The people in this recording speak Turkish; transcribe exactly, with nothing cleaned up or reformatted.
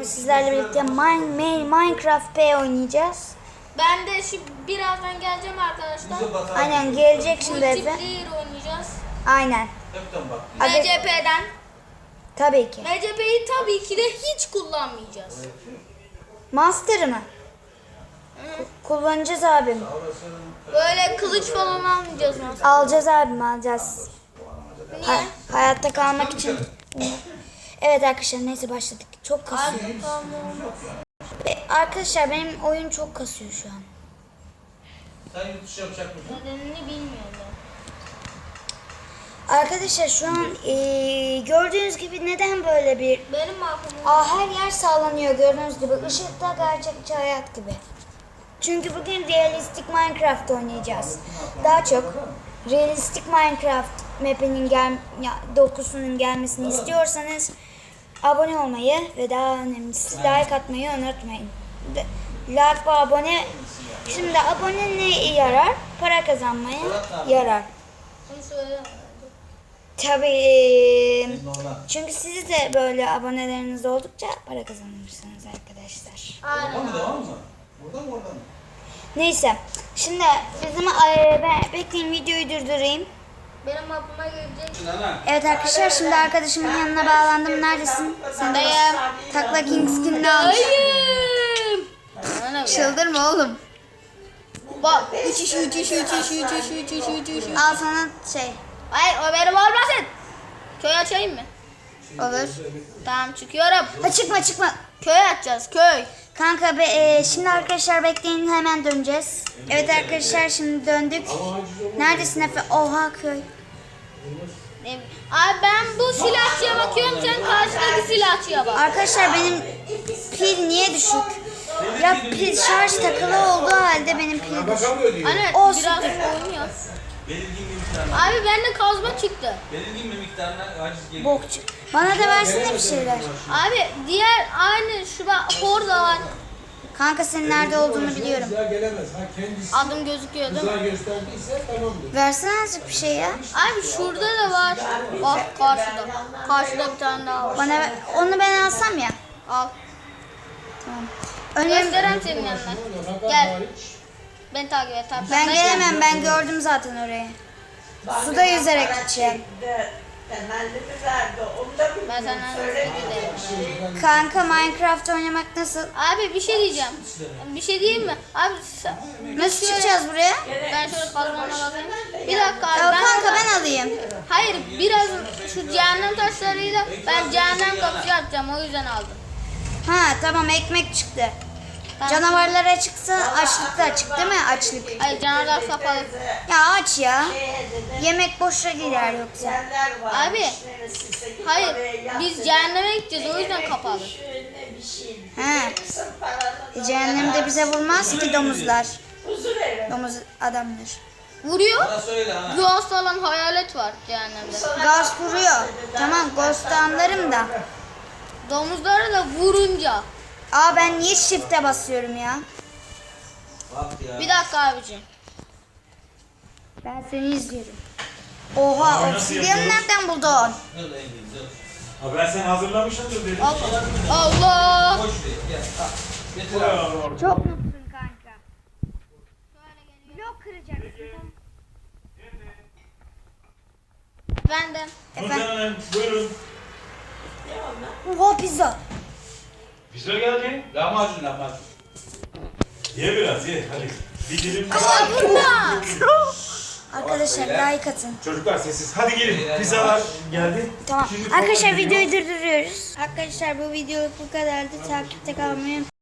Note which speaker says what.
Speaker 1: bugün sizlerle birlikte Mine, Minecraft P oynayacağız.
Speaker 2: Ben de şimdi birazdan geleceğim arkadaşlar.
Speaker 1: Aynen gelecek şimdi Efe.
Speaker 2: Multiplayer oynayacağız.
Speaker 1: Aynen.
Speaker 2: M C P'den.
Speaker 1: Tabii ki.
Speaker 2: M C P'yi tabii ki de hiç kullanmayacağız.
Speaker 1: Master mı? Kullanacağız abim.
Speaker 2: Böyle kılıç falan almayacağız Master.
Speaker 1: Alacağız abim alacağız.
Speaker 2: Niye?
Speaker 1: Ha- hayatta kalmak için. Evet arkadaşlar neyse başladık. Çok kasıyor.
Speaker 2: Abi, tamam.
Speaker 1: E, arkadaşlar benim oyun çok kasıyor şu an.
Speaker 3: Sen yurt dışı yapacak mısın?
Speaker 2: Nedenini bilmiyorum.
Speaker 1: Arkadaşlar şu an e, gördüğünüz gibi neden böyle bir...
Speaker 2: Benim aklım.
Speaker 1: Aa, her yer sallanıyor gördüğünüz gibi. Işıkta gerçekçi hayat gibi. Çünkü bugün realistik Minecraft oynayacağız. Daha çok realistik Minecraft map'inin gel ya, dokusunun gelmesini istiyorsanız abone olmayı ve daha önemlisi like atmayı unutmayın. De- Like ve abone. Şimdi abone ne yarar? Para kazanmaya yarar.
Speaker 2: Bunu söyle.
Speaker 1: Tabii. Çünkü siz de böyle aboneleriniz oldukça para kazanırsınız arkadaşlar.
Speaker 2: Aynen.
Speaker 3: Oradan mı devam mı? Oradan mı oradan mı?
Speaker 1: Neyse. Şimdi bizim e, ben bekleyin videoyu durdurayım.
Speaker 2: Benim aklıma gelecek.
Speaker 3: Nana.
Speaker 1: Evet arkadaşlar şimdi arkadaşımın yanına bağlandım. Neredesin? Sen de Takla King skinini almış.
Speaker 2: Hayır.
Speaker 1: Çıldırma oğlum.
Speaker 2: Bak. Üç iş, üç iş, üç iş, üç iş, üç iş, üç iş.
Speaker 1: Al sana şey.
Speaker 2: Hayır o benim olmasın. Köy açayım mı?
Speaker 1: Olur.
Speaker 2: Tamam çıkıyorum.
Speaker 1: Ha, çıkma çıkma.
Speaker 2: Köy açacağız köy.
Speaker 1: Kanka be, e, şimdi arkadaşlar bekleyin hemen döneceğiz. Evet arkadaşlar şimdi döndük. Neredesin Efe? Oha köy.
Speaker 2: Ne- Abi ben bu silahçıya bakıyorum sen karşıdaki silahçıya bak.
Speaker 1: Arkadaşlar benim pil niye düşük? Ya pil şarj takılı olduğu halde benim pil düşük.
Speaker 3: Bakamıyor diyor.
Speaker 2: Anne
Speaker 1: Olsun.
Speaker 2: biraz oynuyor.
Speaker 3: Belirgin bir miktarına.
Speaker 2: Abi bende kazma çıktı.
Speaker 3: Belirgin bir miktarına aciz geliyor.
Speaker 1: Bokçu. Bana da versene bir şeyler.
Speaker 2: Abi diğer aynı şu bak orada var.
Speaker 1: Kanka senin nerede olduğunu biliyorum.
Speaker 4: Kıza gelemez. Ha kendisi
Speaker 2: Adım gözüküyor değil
Speaker 4: kıza
Speaker 2: mi?
Speaker 4: gösterdiyse tamamdır.
Speaker 1: Versene azıcık bir şey ya.
Speaker 2: Abi şurada da var. Bak karşıda. Karşıda bir tane daha var.
Speaker 1: Bana ver- onu ben alsam ya.
Speaker 2: Al.
Speaker 1: Tamam. Önemli.
Speaker 2: Göstereyim senin yanına.
Speaker 4: Nafaka
Speaker 2: Gel.
Speaker 4: hariç.
Speaker 2: Beni takip et. Takip
Speaker 1: Ben
Speaker 2: et.
Speaker 1: gelemem ben gördüm zaten orayı. Suda yüzerek gideceğim.
Speaker 5: Temellimi verdi. Onu da
Speaker 2: Ben senden hızlı giderim.
Speaker 1: Kanka Minecraft oynamak nasıl?
Speaker 2: Abi bir şey diyeceğim. Bir şey diyeyim mi? Abi sen-
Speaker 1: Nasıl çıkacağız buraya?
Speaker 2: ben şöyle kazmama bakayım. Bir dakika abi.
Speaker 1: Ya
Speaker 2: ben
Speaker 1: kanka ben alayım.
Speaker 2: Hayır biraz şu cehennem taşlarıyla ben cehennem kapısı atacağım o yüzden aldım.
Speaker 1: Ha tamam ekmek çıktı. Canavarlar açıksa açlık da açık değil mi? Açlık.
Speaker 2: Hayır canavar kapalı.
Speaker 1: Ya aç ya. Yemek boşa gider yoksa.
Speaker 5: yerler var.
Speaker 2: Abi hayır biz cehenneme gideceğiz o yüzden kapalı.
Speaker 5: Bir şey.
Speaker 1: He.
Speaker 5: Sırf paranın
Speaker 1: E, cehennemde bize vurmaz ki domuzlar.
Speaker 5: huzur evi.
Speaker 1: Domuz adamlar.
Speaker 2: Vuruyor.
Speaker 3: Bana söyle ha.
Speaker 2: Ghost olan hayalet var cehennemde.
Speaker 1: Ghost vuruyor. Tamam Ghost'u anlarım da.
Speaker 2: Domuzlara da vurunca.
Speaker 1: Aa ben niye shift'e basıyorum ya?
Speaker 3: Bak ya.
Speaker 2: Bir dakika abicim.
Speaker 1: Ben seni izliyorum. Oha obsidiyanı nereden buldun?
Speaker 3: Dur Engin dur.
Speaker 6: Ha ben sen hazırlamışsındır dedim.
Speaker 2: Allah. Allah.
Speaker 3: Koş şuraya gel. Al. Getir abi.
Speaker 1: Çok mutlusun kanka. Blok kıracaksın.
Speaker 2: Benden.
Speaker 1: Efendim?
Speaker 6: Nurcan Hanım buyurun.
Speaker 1: Oha pizza.
Speaker 6: Pizza geldi.
Speaker 3: Lahmacun lahmacun.
Speaker 6: Ye biraz ye hadi. Bir dilim.
Speaker 2: Ama vurma.
Speaker 1: Arkadaşlar like atın.
Speaker 6: Çocuklar sessiz. Hadi gelin. Pizzalar geldi.
Speaker 1: Tamam.
Speaker 6: Şimdi
Speaker 1: Arkadaşlar
Speaker 6: kolay
Speaker 1: videoyu durduruyoruz. Arkadaşlar bu video bu kadardı. Takipte kalmayı